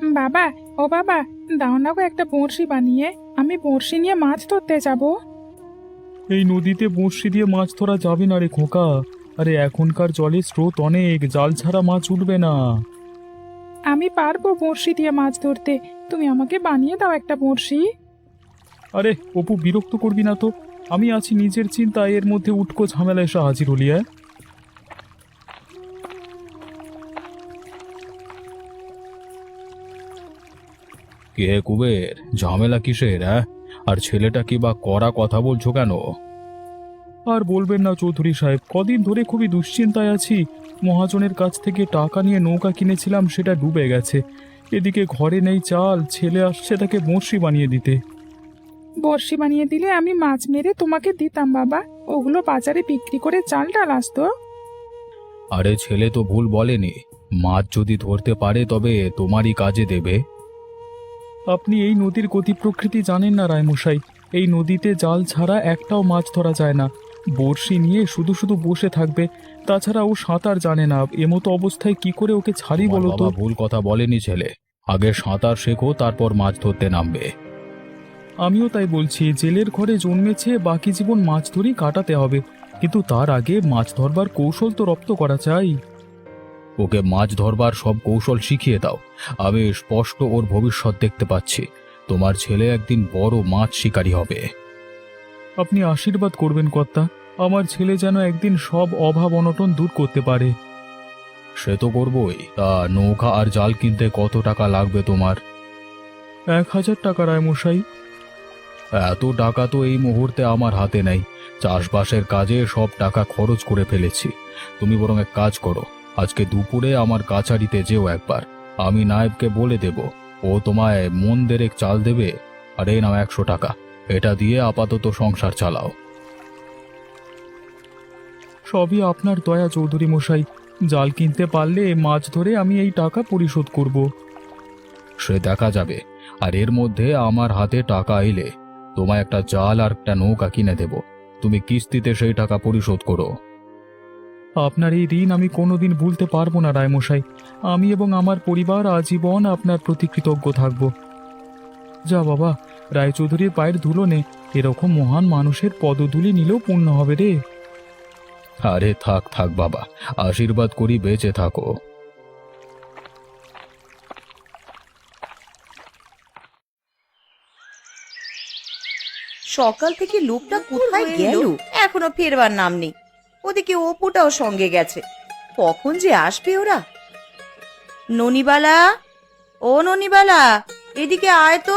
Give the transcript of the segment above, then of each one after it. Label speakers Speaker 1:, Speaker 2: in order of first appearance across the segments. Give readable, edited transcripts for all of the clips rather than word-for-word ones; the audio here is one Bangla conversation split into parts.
Speaker 1: বাবা, ও বাবা, দাও না গো একটা বড়শি বানিয়ে, আমি বড়শি নিয়ে মাছ ধরতে যাব।
Speaker 2: এই নদীতে বঁড়শি দিয়ে মাছ ধরা যাবে না রে খোকা। আরে এখনকার জলে স্রোত অনেক, জাল ছাড়া মাছ উঠবে না।
Speaker 1: আমি পারবো বড়শি দিয়ে মাছ ধরতে, তুমি আমাকে বানিয়ে দাও একটা বড়শি।
Speaker 2: আরে অপু, বিরক্ত করবি না তো। আমি আছি নিজের চিন্তায়, এর মধ্যে উটকো ঝামেলা এসে হাজির হলি। কে কুবের, ঝামেলা কিসের? আর ছেলেটা কি বা কড়া কথা বলছো কেন? আর বলবেন না চৌধুরী সাহেব, কদিন ধরে খুবই দুশ্চিন্তায় আছি। মহাজনের কাছ থেকে টাকা নিয়ে নৌকা কিনেছিলাম, সেটা ডুবে গেছে। এদিকে ঘরে নেই চাল, ছেলে আসছে তাকে বড়শি বানিয়ে দিতে।
Speaker 1: বড়শি বানিয়ে দিলে আমি মাছ মেরে তোমাকে দিতাম বাবা, ওগুলো বাজারে বিক্রি করে চাল ডাল আসতো।
Speaker 2: আরে ছেলে তো ভুল বলেনি, মাছ যদি ধরতে পারে তবে তোমারই কাজে দেবে। আপনি এই নদীর গতি প্রকৃতি জানেন না রায়মশাই। এই নদীতে জাল ছাড়া একটাও মাছ ধরা যায় না। বড়শি নিয়ে শুধু শুধু বসে থাকবে, তাছাড়া ও সাঁতার জানে না। এমতো অবস্থায় কি করে ওকে ছাড়ি বলো তো? ভুল কথা বলেনি ছেলে, আগে সাঁতার শেখো, তারপর মাছ ধরতে নামবে। আমিও তাই বলছি, জেলের ঘরে জন্মেছে, বাকি জীবন মাছ ধরেই কাটাতে হবে। কিন্তু তার আগে মাছ ধরবার কৌশল তো রপ্ত করা চাই। ওকে মাছ ধরবার সব কৌশল শিখিয়ে দাও। আমি স্পষ্ট ওর ভবিষ্যৎ দেখতে পাচ্ছি। তোমার ছেলে একদিন বড় মাছ শিকারী হবে। আপনি আশীর্বাদ করবেন কর্তা, আমার ছেলে যেন একদিন সব অভাব অনটন দূর করতে পারে। সে তো করবই। তা নৌকা আর জাল কিনতে কত টাকা লাগবে তোমার? 1000 টাকা রায়মশাই। এত টাকা তো এই মুহূর্তে আমার হাতে নেই। চাষবাসের কাজে সব টাকা খরচ করে ফেলেছি। তুমি বরং এক কাজ করো, আজকে দুপুরে আমার কাছারিতে যেও একবার। আমি নায়েবকে বলে দেব, ও তোমায় মন দেড়েক চাল দেবে। আর এই নাও 100 টাকা, এটা দিয়ে আপাতত সংসার চালাও। সবই আপনার দয়া চৌধুরী মশাই। জাল কিনতে পারলে মাছ ধরে আমি এই টাকা পরিশোধ করব। সে দেখা যাবে। আর এর মধ্যে আমার হাতে টাকা এলে তোমায় একটা জাল আর একটা নৌকা কিনে দেব। তুমি কিস্তিতে সেই টাকা পরিশোধ করো। আপনার এই ঋণ আমি কোনোদিন ভুলতে পারবো না রায়মশাই। আমি এবং আমার পরিবার আজীবন আপনার প্রতি কৃতজ্ঞ থাকব। যা বাবা, রায়চৌধুরীর পায়ের ধুলো নে। এরকম মহান মানুষের পদধূলি নিলেও পুণ্য হবে রে। আরে থাক থাক বাবা, আশীর্বাদ করি বেঁচে থাকো।
Speaker 3: সকাল থেকে লোকটা কোথায় গেল, এখনো ফেরবার নাম নেই। ওদিকে অপুটাও সঙ্গে গেছে, কখন যে আসবে ওরা। ননিবালা, ও ননিবালা, এদিকে আয় তো।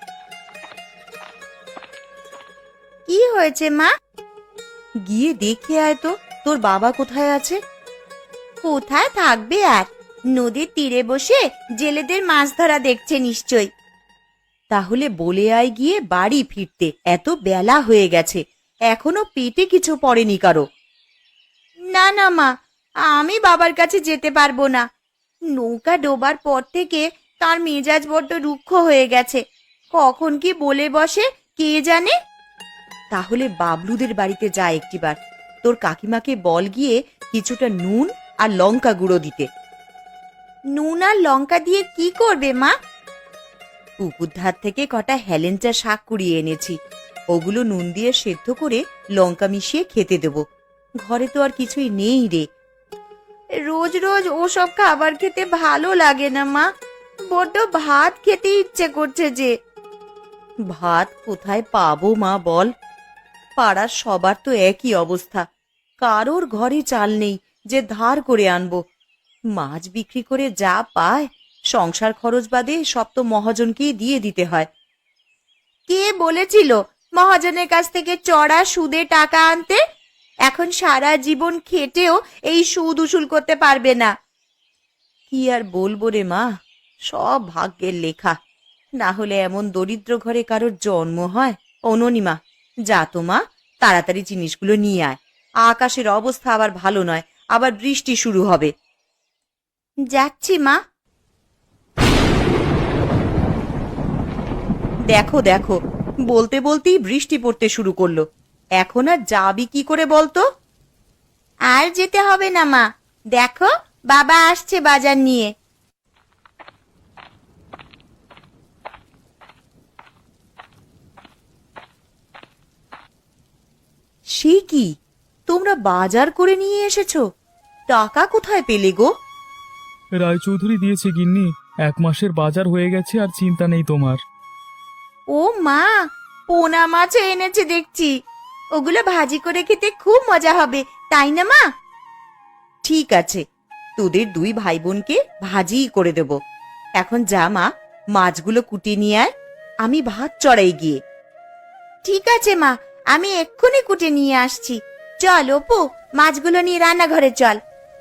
Speaker 3: কি হয়েছে মা? গিয়ে দেখে আয় তো, তোর বাবা কোথায় আছে। কোথায় থাকবে আর, নদীর তীরে বসে জেলেদের মাছ ধরা দেখছে নিশ্চয়। তাহলে বলে আয় গিয়ে বাড়ি ফিরতে, এত বেলা হয়ে গেছে, এখনো পেটে কিছু পড়েনি কারো। না না মা, আমি বাবার কাছে যেতে পারবো না। নৌকা ডোবার পর থেকে তার মেজাজ বড্ড রুক্ষ হয়ে গেছে, কখন কি বলে বসে কে জানে। তাহলে বাবলুদের বাড়িতে যা একটিবার, তোর কাকিমাকে বল গিয়ে কিছুটা নুন আর লঙ্কা গুঁড়ো দিতে। নুন আর লঙ্কা দিয়ে কি করবে মা? পুকুর ধার থেকে কটা হেলেঞ্চা শাক কুড়িয়ে এনেছি, ওগুলো নুন দিয়ে সেদ্ধ করে লঙ্কা মিশিয়ে খেতে দেব। ঘরে তো আর কিছুই নেই রে। রোজ রোজ ওসব খাবার খেতে ভালো লাগে না মা, বড্ড ভাত খেতে ইচ্ছে করছে যে। ভাত কোথায় পাবো মা বল? পাড়ার সবার তো একই অবস্থা, কারোর ঘরে চাল নেই যে ধার করে আনবো। মাছ বিক্রি করে যা পায়, সংসার খরচ বাদে সব তো মহাজনকেই দিয়ে দিতে হয়। কে বলেছিল মহাজনের কাছ থেকে চড়া সুদে টাকা আনতে? এখন সারা জীবন খেটেও এই সুদ উসুল করতে পারবে না। কি আর বলবো রে মা, সব ভাগ্যের লেখা, না হলে এমন দরিদ্র ঘরে কারোর জন্ম হয়। অননিমা, যা তো মা, তাড়াতাড়ি জিনিসগুলো নিয়ে আয়। আকাশের অবস্থা আবার ভালো নয়, আবার বৃষ্টি শুরু হবে। যাচ্ছি মা। দেখো দেখো, বলতে বলতেই বৃষ্টি পড়তে শুরু করলো। এখন আর যাবি কি করে বলতো? আর যেতে হবে না মা, দেখো বাবা আসছে বাজার নিয়ে। সে কি, তোমরা বাজার করে নিয়ে এসেছো? টাকা কোথায় পেলে গো?
Speaker 2: রায়চৌধুরী দিয়েছে গিন্নি, 1 মাসের বাজার হয়ে গেছে, আর চিন্তা নেই তোমার।
Speaker 3: ও মা, পোনা মাছ এনেছে দেখছি। ওগুলো ভাজি করে খেতে খুব মজা হবে, তাই না মা? ঠিক আছে, তোদের 2 ভাই বোনকে ভাজিই করে দেব। এখন যা মা, মাছগুলো কুটিয়ে নিয়ে আয়, আমি ভাত চড়াই গিয়ে। ঠিক আছে মা, আমি এক্ষুনি কুটে নিয়ে আসছি। চল অপু, মাছগুলো নিয়ে রান্নাঘরে চল।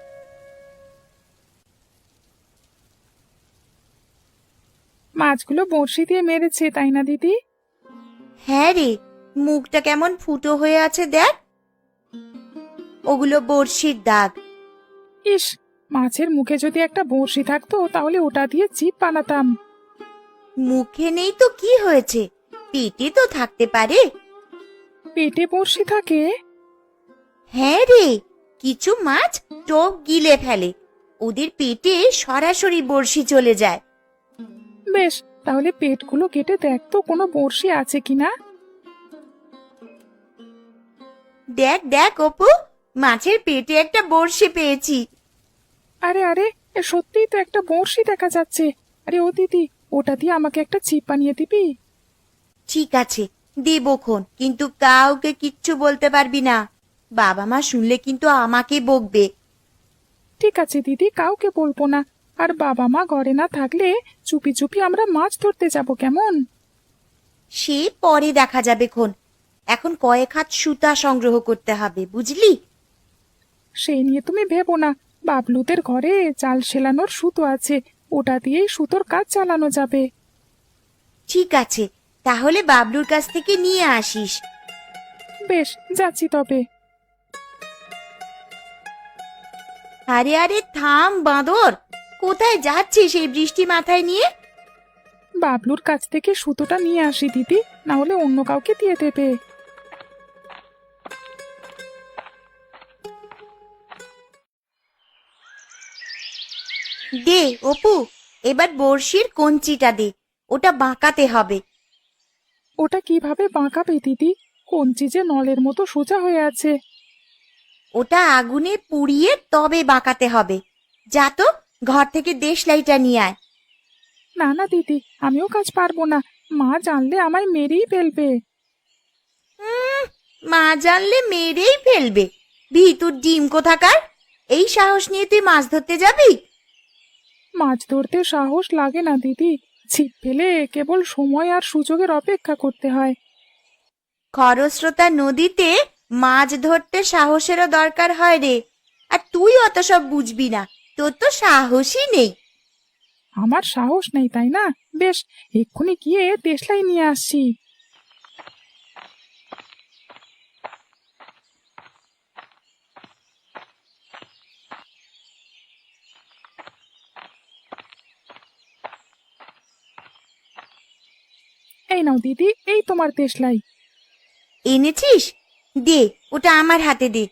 Speaker 1: মাছগুলো বড়শি দিয়ে মেরেছে, তাই না দিদি?
Speaker 3: হ্যাঁ রে, মুখটা কেমন ফুটো হয়ে আছে দেখ। ওগুলো বড়শির দাগ।
Speaker 1: ইস, মাছের মুখে যদি একটা বড়শি থাকতো তাহলে ওটা দিয়ে চিপ বানাতাম।
Speaker 3: মুখে নেই তো কি হয়েছে, পেটে তো থাকতে পারে।
Speaker 1: পেটে বড়শি থাকে?
Speaker 3: হ্যাঁ রে, কিছু মাছ টোপ গিলে ফেলে, ওদের পেটে সরাসরি বড়শি চলে যায়।
Speaker 1: বেশ, তাহলে পেটগুলো কেটে দেখ তো কোনো বড়শি আছে কিনা।
Speaker 3: দেখ দেখ অপু, মাছের পেটে একটা বড়শি পেয়েছি।
Speaker 1: আরে আরে, এ সত্যিই তো একটা বড়শি দেখা যাচ্ছে। আরে ও দিদি, ওটা দিয়ে আমাকে একটা ছিপ বানিয়ে দিবি?
Speaker 3: ঠিক আছে, দেবক্ষণ, কিন্তু কাউকে কিচ্ছু বলতে পারবি না। বাবা মা শুনলে কিন্তু আমাকে বকবে।
Speaker 1: ঠিক আছে দিদি, কাউকে বলবো না। আর বাবা মা ঘরে না থাকলে চুপি চুপি আমরা মাছ ধরতে যাব, কেমন?
Speaker 3: সে পরে দেখা যাবে খন। এখন কয়েক হাত সুতা সংগ্রহ করতে হবে, বুঝলি?
Speaker 1: সেই নিয়ে তুমি ভেবো না, বাবলুদের ঘরে জাল সেলানোর সুতো আছে, ওটা দিয়েই সুতোর কাজ চালানো যাবে।
Speaker 3: ঠিক আছে, তাহলে বাবলুর কাছ থেকে নিয়ে আসিস।
Speaker 1: বেশ, যাচ্ছি তবে।
Speaker 3: আরে আরে থাম বাঁদর, কোথায় যাচ্ছিস এই বৃষ্টি মাথায় নিয়ে?
Speaker 1: বাবলুর কাছ থেকে সুতোটা নিয়ে আসি দিদি, না হলে অন্য কাউকে দিয়ে দেবে।
Speaker 3: দে অপু, এবার বড়শির কঞ্চিটা দে, ওটা বাঁকাতে হবে।
Speaker 1: ওটা কিভাবে বাঁকাবে দিদি? কঞ্চি যে নলের মতো সোজা হয়ে আছে।
Speaker 3: ওটা আগুনে পুড়িয়ে তবে বাঁকাতে হবে। যা তো, ঘর থেকে দেশলাইটা নিয়ে আয়।
Speaker 1: না না দিদি, আমিও কাজ পারবো না, মা জানলে আমায় মেরেই ফেলবে।
Speaker 3: মা জানলে মেরেই ফেলবে? ভিতুর ডিম কোথাকার! এই সাহস নিয়ে তুই মাছ ধরতে যাবি?
Speaker 1: মাছ ধরতে সাহস লাগে না দিদি, ছিপ ফেলে কেবল সময় আর সুযোগের অপেক্ষা করতে হয়।
Speaker 3: খরস্রোতা নদীতে মাছ ধরতে সাহসেরও দরকার হয় রে। আর তুই অত সব বুঝবি না, তোর তো সাহসই নেই।
Speaker 1: আমার সাহস নেই তাই না? বেশ, এক্ষুনি গিয়ে দেশলাই নিয়ে আসছি। এই নাও দিদি, এই তোমার দেশলাই।
Speaker 3: এনেছিস? দে, ওটা আমার হাতে দে।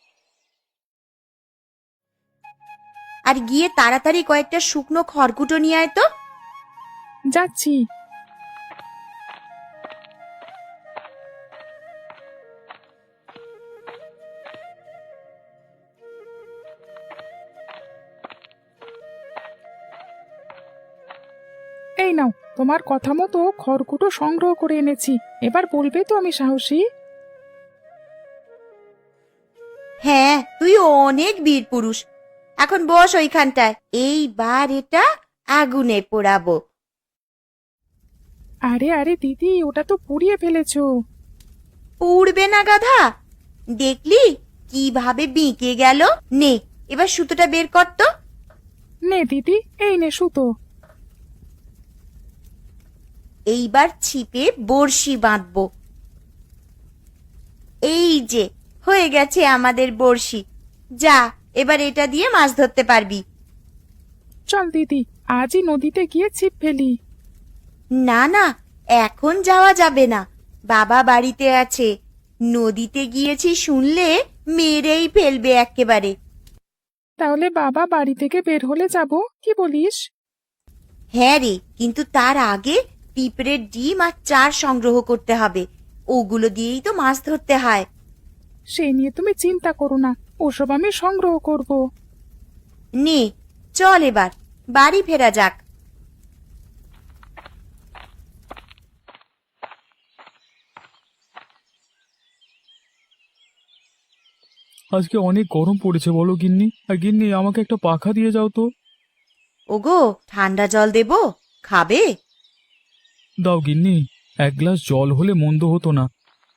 Speaker 3: আর গিয়ে তাড়াতাড়ি কয়েকটা শুকনো খড়কুটো নিয়ে আয় তো।
Speaker 1: যাচ্ছি। এই নাও, তোমার কথা মতো খড়কুটো সংগ্রহ করে এনেছি। এবার বলবে তো আমি সাহসী?
Speaker 3: হ্যাঁ, তুই অনেক বীর পুরুষ। এখন বস ওইখানটায়, এইবার এটা আগুনে পোড়াবো।
Speaker 1: আরে আরে দিদি, ওটা তো পুড়িয়ে ফেলেছো।
Speaker 3: পুড়বে না গাধা, দেখলি কিভাবে বিঁকে গেল? নে, এবার সুতোটা বের কর তো।
Speaker 1: নে দিদি, এই নে সুতো।
Speaker 3: এইবার ছিপে বড়শি বাঁধবো। এই যে হয়ে গেছে আমাদের বড়শি। যা, এবার এটা দিয়ে মাছ ধরতে পারবি।
Speaker 1: চল দিদি, আজই নদীতে গিয়ে ছিপ ফেলি।
Speaker 3: না না, এখন যাওয়া যাবে না, বাবা বাড়িতে আছে। নদীতে গিয়েছি শুনলে মেরেই ফেলবে একেবারে।
Speaker 1: তাহলে বাবা বাড়ি থেকে বের হলে যাব, কি বলিস?
Speaker 3: হ্যাঁ রে, কিন্তু তার আগে পিঁপড়ের ডিম আর চার সংগ্রহ করতে হবে। ওগুলো দিয়েই তো মাছ ধরতে হয়।
Speaker 1: সেই নিয়ে তুমি চিন্তা করো না, ওসব আমি সংগ্রহ করব।
Speaker 3: নে চল এবার বাড়ি ফেরা যাক।
Speaker 2: আজকে অনেক গরম পড়েছে বলো গিন্নি। আর গিন্নি, আমাকে একটা পাখা দিয়ে যাও তো।
Speaker 3: ওগো, ঠান্ডা জল দেব, খাবে?
Speaker 2: দাও গিন্নি, এক গ্লাস জল হলে মন্দ হতো না।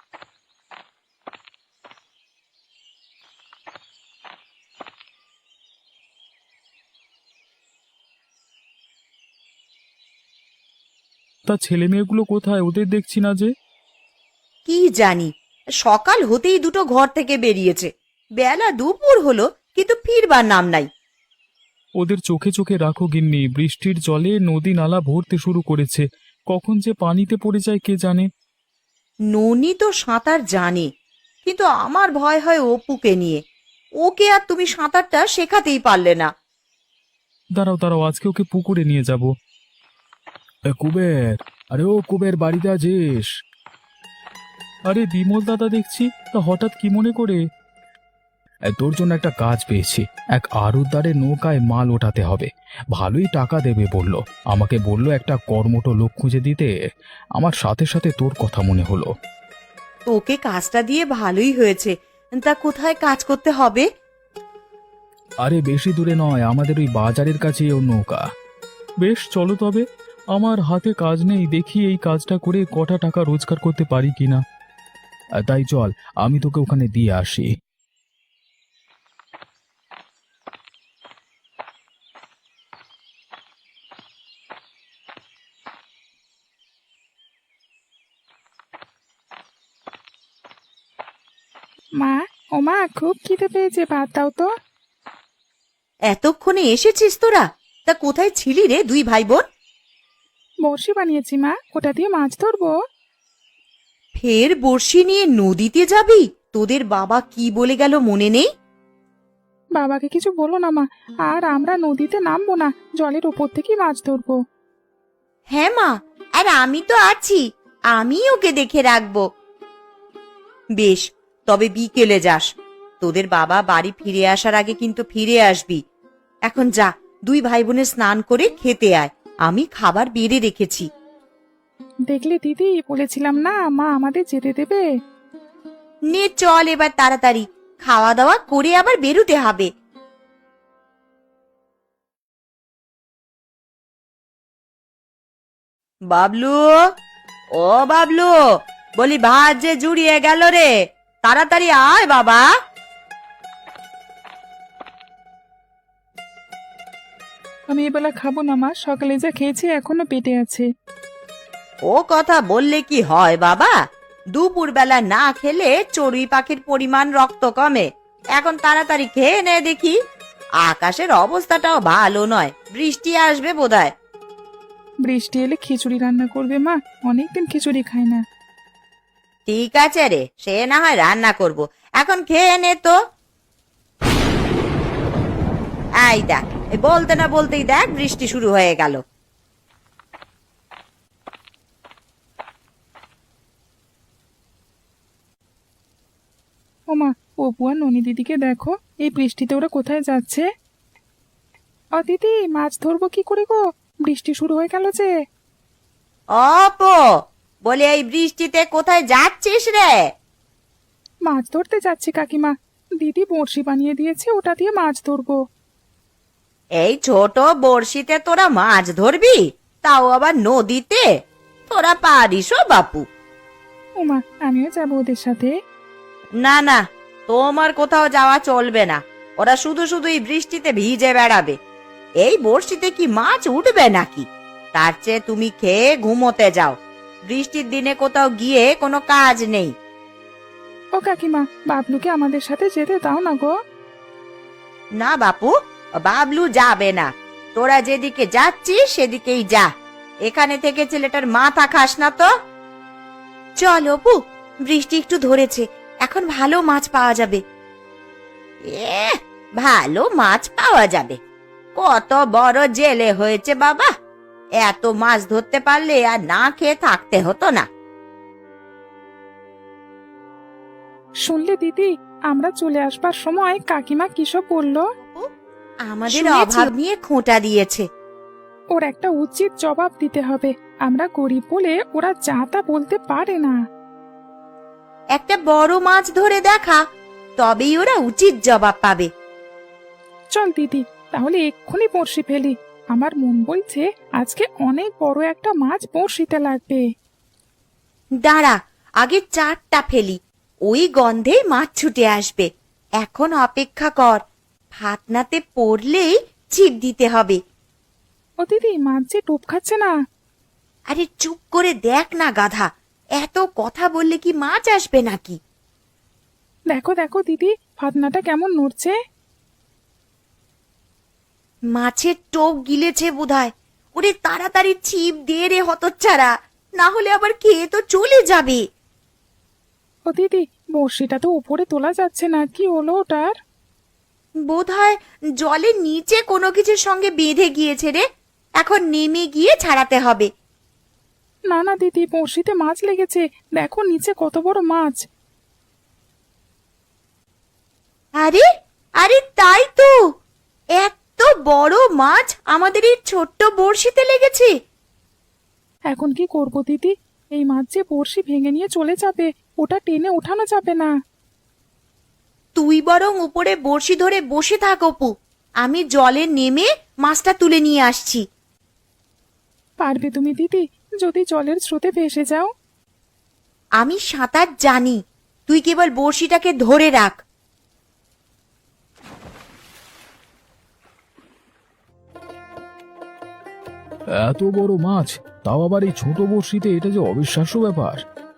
Speaker 2: তা ছেলে মেয়েগুলো কোথায়? ওদের দেখছি না যে।
Speaker 3: কি জানি, সকাল হতেই দুটো ঘর থেকে বেরিয়েছে, বেলা দুপুর হলো কিন্তু ফিরবার নাম নাই।
Speaker 2: ওদের চোখে চোখে রাখো গিন্নি, বৃষ্টির জলে নদী নালা ভরতে শুরু করেছে, কখন যে পানিতে পড়ে যায় কে জানে।
Speaker 3: ননি তো সাঁতার জানে, কিন্তু আমার ভয় হয় অপুকে নিয়ে। ওকে আর তুমি সাঁতারটা শেখাতেই পারলে না।
Speaker 2: দাঁড়াও দাঁড়াও, আজকে ওকে পুকুরে নিয়ে যাব। কুবের, আরে ও কুবের, বাড়িতে আছিস? আরে বিমল দাদা দেখছি, তা হঠাৎ কি মনে করে? তোর জন্য একটা কাজ পেয়েছি। এক আড়তদারের নৌকায় মাল ওঠাতে হবে, ভালোই টাকা দেবে বলল। আমাকে বলল একটা কর্মঠ লোক খুঁজে দিতে। আমার সাথে সাথে তোর কথা মনে হলো।
Speaker 3: তোকে কাজটা দিয়ে ভালোই হয়েছে। তা কোথায় কাজ করতে হবে?
Speaker 2: আরে বেশি দূরে নয়, আমাদের ওই বাজারের কাছেই ওর নৌকা। বেশ, চলো তবে। আমার হাতে কাজ নেই, দেখি এই কাজটা করে কটা টাকা রোজগার করতে পারি কিনা। তাই চল, আমি তোকে ওখানে দিয়ে আসি।
Speaker 1: মা, ও মা, খুব খিদে পেয়েছে, ভাত দাও তো।
Speaker 3: এতক্ষণে এসেছিস তোরা? তা কোথায় ছিলি রে দুই ভাই বোন?
Speaker 1: বড়শি বানিয়েছি মা, ওটা দিয়ে মাছ ধরবো।
Speaker 3: ফের বড়শি নিয়ে নদীতে যাবি? তোদের বাবা কি বলে গেল মনে নেই?
Speaker 1: বাবাকে কিছু বলো না মা, আর আমরা নদীতে নামবো না, জলের উপর থেকে মাছ ধরবো।
Speaker 3: হ্যাঁ মা, আর আমি তো আছি, আমি ওকে দেখে রাখবো। বেশ, তবে বিকেলে যাস। তোদের বাবা বাড়ি ফিরে আসার আগে কিন্তু ফিরে আসবি। এখন যা, দুই ভাই বোনে স্নান করে খেতে আয়, আমি খাবার বেড়ে রেখেছি।
Speaker 1: দেখলে দিদি, বলেছিলাম না মা আমাদের যেতে দেবে।
Speaker 3: নে চল এবার তাড়াতাড়ি, খাওয়া দাওয়া করে আবার বেরুতে হবে। বাবলু, ও বাবলু, বলি ভাত যে জুড়িয়ে গেল রে, তাড়াতাড়ি আয় বাবা।
Speaker 1: আমি এবেলা খাবো না মা, সকালে যা খেয়েছি এখনো পেটে আছে।
Speaker 3: ও কথা বললে কি হয় বাবা? দুপুর বেলা না খেলে চড়ুই পাখির পরিমাণ রক্ত কমে। এখন তাড়াতাড়ি খেয়ে নে দেখি। আকাশের অবস্থাটাও ভালো নয়, বৃষ্টি আসবে বোধহয়।
Speaker 1: বৃষ্টি এলে খিচুড়ি রান্না করবে মা, অনেকদিন খিচুড়ি খাই না।
Speaker 3: ঠিক আছে রে, সে না হয় রান্না করব, এখন খেয়ে নে তো। এই দেখ, বলতে না বলতেই দেখ বৃষ্টি শুরু হয়ে গেল।
Speaker 1: ও মা, অপু আর ননি দিদিকে দেখো, এই বৃষ্টিতে ওরা কোথায় যাচ্ছে? ও দিদি, মাছ ধরবো কি করে গো, বৃষ্টি শুরু হয়ে গেল যে।
Speaker 3: অপো, বলে এই বৃষ্টিতে কোথায় যাচ্ছিস রে?
Speaker 1: মাছ ধরতে যাচ্ছি কাকিমা, দিদি বড়শি বানিয়ে দিয়েছে, ওটা দিয়ে মাছ ধরবো।
Speaker 3: এই ছোট বড়শিতে তোরা মাছ ধরবি, তাও আবার নদীতে? তোরা পারিস ও বাপু?
Speaker 1: ও মা, আমিও যাবো ওদের সাথে।
Speaker 3: না না, তোমার কোথাও যাওয়া চলবে না। ওরা শুধু শুধুই বৃষ্টিতে ভিজে বেড়াবে। এই বড়শিতে কি মাছ উঠবে নাকি? তার চেয়ে তুমি খেয়ে ঘুমোতে যাও। বৃষ্টির দিনে কোথাও গিয়ে কোনো কাজ নেই।
Speaker 1: ও কাকিমা, বাবলুকে আমাদের সাথে যেতে দাও না গো।
Speaker 3: না বাপু, বাবলু যাবে না। তোরা যেদিকে যাচ্ছিস সেদিকেই যা, এখানে থেকে ছেলেটার মাথা খাস না তো। চল অপু, বৃষ্টি একটু ধরেছে, এখন ভালো মাছ পাওয়া যাবে। ভালো মাছ পাওয়া যাবে? কত বড় জেলে হয়েছে বাবা, এত মাছ ধরতে পারলে আর না খেয়ে থাকতে হতো না।
Speaker 1: শুনলে দিদি, আমরা চলে আসবার সময় কাকিমা কিসব বললো?
Speaker 3: আমাদের
Speaker 1: শুনেছি।
Speaker 3: অভাব নিয়ে খোঁটা দিয়েছে।
Speaker 1: ওর একটা উচিত জবাব দিতে হবে। আমরা গরিব বলে ওরা যা তা বলতে পারে না।
Speaker 3: একটা বড় মাছ ধরে দেখা, তবেই ওরা উচিত জবাব পাবে।
Speaker 1: চল দিদি, তাহলে এক্ষুনি বড়শি ফেলি। আমার মন বলছে আজকে অনেক বড় একটা মাছ বড়শিতে লাগবে।
Speaker 3: দাঁড়া, আগে 4টা ফেলি, ওই গন্ধেই মাছ ছুটে আসবে। এখন অপেক্ষা কর, ফাতনাতে পড়লেই ছিপ দিতে হবে।
Speaker 1: ও দিদি, মাছ যে টোপ খাচ্ছে না।
Speaker 3: আরে চুপ করে দেখ না গাধা, এত কথা বললে কি মাছ আসবে নাকি?
Speaker 1: দেখো দেখো দিদি, ফাতনাটা কেমন নড়ছে।
Speaker 3: মাছের টোপ গিলেছে বোধহয়। ওরে তাড়াতাড়ি ছিপ দে রে হতচ্ছাড়া, না হলে আবার খেয়ে তো চলে যাবে।
Speaker 1: ও দিদি, বড়শিটা তো উপরে তোলা যাচ্ছে না, কি হলো ওটার?
Speaker 3: বোধহয় জলের নিচে কোনো কিছুর সঙ্গে বেঁধে গিয়েছে রে, এখন নেমে গিয়ে ছাড়াতে হবে।
Speaker 1: না না দিদি, বড়শিতে মাছ লেগেছে, দেখো নিচে কত বড় মাছ।
Speaker 3: আরে আরে তাই তো, এত বড় মাছ আমাদের এই ছোট্ট বড়শিতে লেগেছে।
Speaker 1: এখন কি করব দিদি? এই মাছ যে বড়শি ভেঙে নিয়ে চলে যাবে, ওটা টেনে ওঠানো যাবে না।
Speaker 3: তুই বরং উপরে বড়শি ধরে বসে থাক অপু, আমি জলে নেমে মাছটা তুলে নিয়ে আসছি।
Speaker 1: পারবে তুমি দিদি, যদি জলের স্রোতে ভেসে যাও?
Speaker 3: আমি সাঁতার জানি, তুই কেবল বড়শিটাকে ধরে রাখ।
Speaker 2: এত বড় মাছ, তাও আবার এই ছোট বড়শিতে, এটা যে অবিশ্বাস্য ব্যাপার।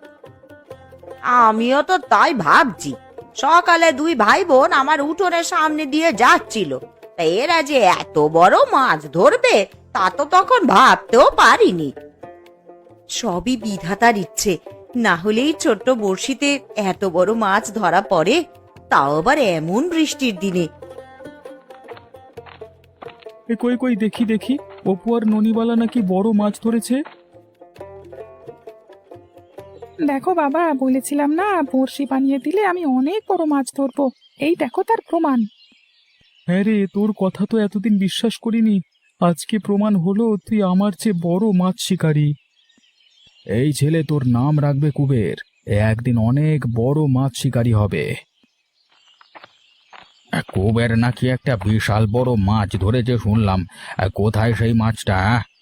Speaker 3: আমিও তো তাই ভাবছি। সকালে 2 ভাই বোন আমার উঠোনের সামনে দিয়ে যাচ্ছিল, তা এরা যে এত বড় মাছ ধরবে তা তো তখন ভাবতেও পারিনি। সবই বিধাতার ইচ্ছে, না হলে এই ছোট্ট বড়শিতে এত বড় মাছ ধরা পড়ে, তাও আবার এমন বৃষ্টির দিনে।
Speaker 2: এ কই কই, দেখি দেখি, অপু আর ননিবালা নাকি বড় মাছ ধরেছে।
Speaker 1: দেখো বাবা, বলেছিলাম না বড়শি বানিয়ে দিলে আমি অনেক বড় মাছ ধরবো। এই দেখো তার প্রমাণ।
Speaker 2: হ্যাঁ রে, তোর কথা তো এতদিন বিশ্বাস করিনি, আজকে প্রমাণ হলো তুই আমার চেয়ে বড় মাছ শিকারী। এই ছেলে তোর নাম রাখবে কুবের, এ একদিন অনেক বড় মাছ শিকারী হবে। কুবের নাকি একটা বিশাল বড় মাছ ধরেছে শুনলাম, কোথায় সেই মাছটা?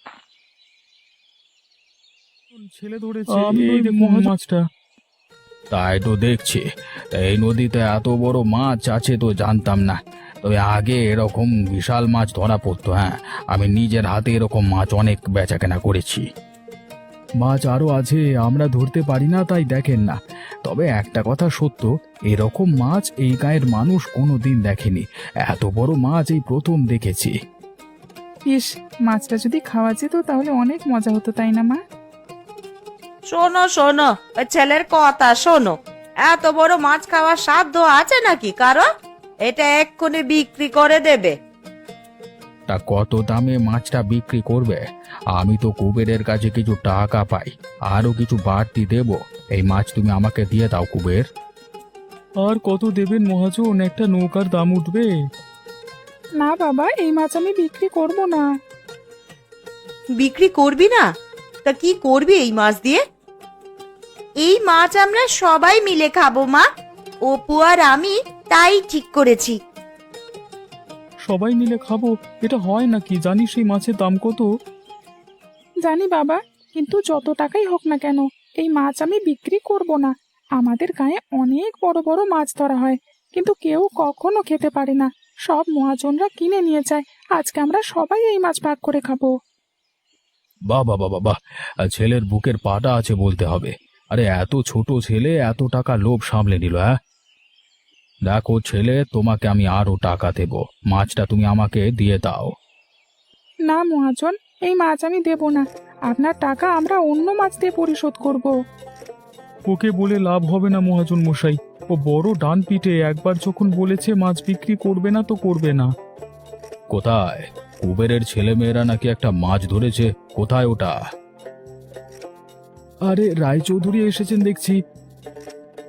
Speaker 2: ছেলে ধরেছে, এই দেখো মাছটা। তাই তো দেখছি, এই নদীতে এত বড় মাছ আছে তো জানতাম না। তবে আগে এরকম বিশাল মাছ ধরা পড়তো, হ্যাঁ, আমি নিজের হাতে এরকম মাছ অনেক বেচাকেনা করেছি। মাছ আরো আছে, আমরা ধরতে পারি না তাই দেখেন না। তবে একটা কথা সত্য, এরকম মাছ এই গায়ের মানুষ কোনোদিন দেখেনি। এত বড় মাছ এই প্রথম দেখেছি।
Speaker 1: ইস, মাছটা যদি খাওয়া যেত তাহলে অনেক মজা হতো, তাই না মা?
Speaker 3: শোনো শোনো, ওই ছেলের কথা শোনো, এত বড় মাছ খাওয়ার সাধ্য আছে নাকি কারো? এটা এক্ষুনি বিক্রি করে দেবে।
Speaker 2: তা কত দামে মাছটা বিক্রি করবে? আমি তো কুবেরের কাছে কিছু টাকা পাই, আরো কিছু বাড়তি দেব। এই মাছ তুমি আমাকে দিয়ে দাও কুবের। আর কত দেবেন মহাজন? একটা নৌকার দাম উঠবে।
Speaker 1: না বাবা, এই মাছ আমি বিক্রি করব না।
Speaker 3: বিক্রি করবি না? তা কি করবি এই মাছ দিয়ে? এই মাছ আমরা সবাই মিলে খাবো মা, অপু আর আমি তাই ঠিক করেছি।
Speaker 2: সবাই মিলে খাবো, এটা হয় নাকি? জানিস এই মাছের দাম কত?
Speaker 1: জানি বাবা, কিন্তু যত টাকাই হোক না কেন, এই মাছ আমি বিক্রি করব না। আমাদের গায়ে অনেক বড় বড় মাছ ধরা হয়, কিন্তু কেউ কখনো খেতে পারে না। সব মহাজনরা কিনে নিয়ে যায়। আজকে আমরা সবাই এই মাছ ভাগ করে খাবো।
Speaker 2: বাহ বাহ বাহ বাহ, ছেলের বুকের পাটা আছে বলতে হবে। আরে এত ছোট ছেলে এত টাকা লোভ সামলে নিল, হ্যাঁ? দেখো ছেলে, তোমাকে আমি আরো টাকা দেব, মাছটা তুমি আমাকে দিয়ে দাও।
Speaker 1: না মহাজন, এই মাছ আমি দেব না। আপনার টাকা আমরা অন্য মাছ দিয়ে পরিশোধ করব।
Speaker 2: ওকে বলে লাভ হবে না মহাজন মশাই, ও বড় ডান পিঠে, একবার যখন বলেছে মাছ বিক্রি করবে না তো করবে না। কোথায়? কুবেরের ছেলে মেয়েরা নাকি একটা মাছ ধরেছে, কোথায় ওটা? আরে রায়চৌধুরী এসেছেন দেখছি।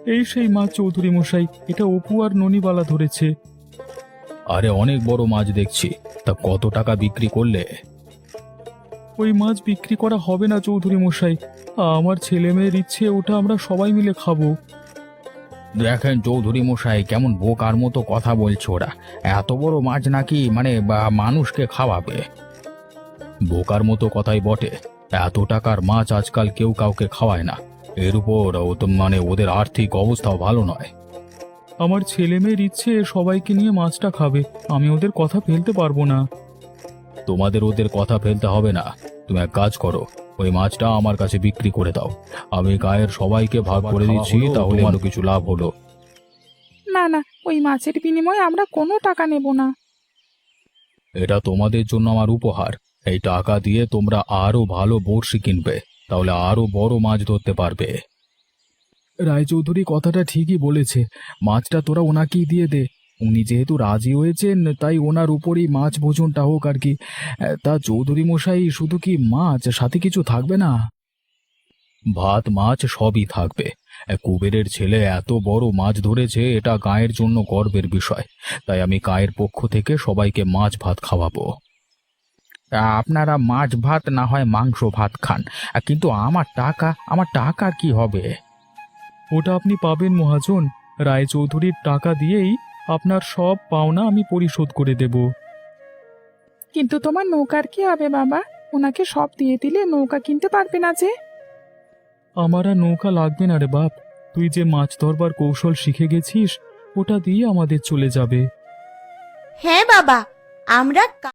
Speaker 2: এই সেই মাছ চৌধুরী মশাই, এটা অপু আর ননিবালা ধরেছে। আরে অনেক বড় মাছ দেখছি, তা কত টাকা বিক্রি করলে? ওই মাছ বিক্রি করা হবে না চৌধুরী মশাই, আমার ছেলে মেয়ের ইচ্ছে, ওটা আমরা সবাই মিলে খাবো। দেখেন চৌধুরী মশাই, কেমন বোকার মতো কথা বলছে ওরা। এত বড় মাছ নাকি মানুষকে খাওয়াবে? বোকার মতো কথাই বটে, এত টাকার মাছ আজকাল কেউ কাউকে খাওয়ায় না। এর উপর ওদের আর্থিক অবস্থাও ভালো নয়। আমার ছেলে মেয়ের ইচ্ছে সবাইকে নিয়ে মাছটা খাবে, আমি ওদের কথা ফেলতে পারবো না। তোমাদের ওদের কথা ফেলতে হবে না, তুমি এক কাজ করো, ওই মাছটা আমার কাছে বিক্রি করে দাও। আমি গায়ের সবাইকে ভাগ করে দিচ্ছি, তাহলে আরো কিছু লাভ হলো।
Speaker 1: না না, ওই মাছের বিনিময়ে আমরা কোনো টাকা নেব না।
Speaker 2: এটা তোমাদের জন্য আমার উপহার। এই টাকা দিয়ে তোমরা আরো ভালো বড়শি কিনবে, তাহলে আরো বড় মাছ ধরতে পারবে। রায়চৌধুরী কথাটা ঠিকই বলেছে, মাছটা তোরা ওনাকেই দিয়ে দে। উনি যেহেতু রাজি হয়েছেন, তাই ওনার উপরই মাছ ভোজনটা হোক আর কি। তা চৌধুরী মশাই, শুধু কি মাছ, সাথে কিছু থাকবে না? ভাত মাছ সবই থাকবে। কুবেরের ছেলে এত বড় মাছ ধরেছে, এটা গায়ের জন্য গর্বের বিষয়। তাই আমি গায়ের পক্ষ থেকে সবাইকে মাছ ভাত খাওয়াবো। আপনারা মাছ ভাত না হয় মাংস ভাত খান, কিন্তু আমার টাকা কি হবে? ওটা আপনি পাবেন মহাজন। রায়চৌধুরীর টাকা দিয়েই আপনার সব পাওনা আমি পরিশোধ করে দেব।
Speaker 1: কিন্তু তোমার নৌকার কি হবে বাবা? ওনাকে সব দিয়ে দিলে নৌকা কিনতে পারবে না যে।
Speaker 2: আমার আর নৌকা লাগবে না রে বাপ, তুই যে মাছ ধরবার কৌশল শিখে গেছিস, ওটা দিয়ে আমাদের চলে যাবে।
Speaker 3: হ্যাঁ বাবা, আমরা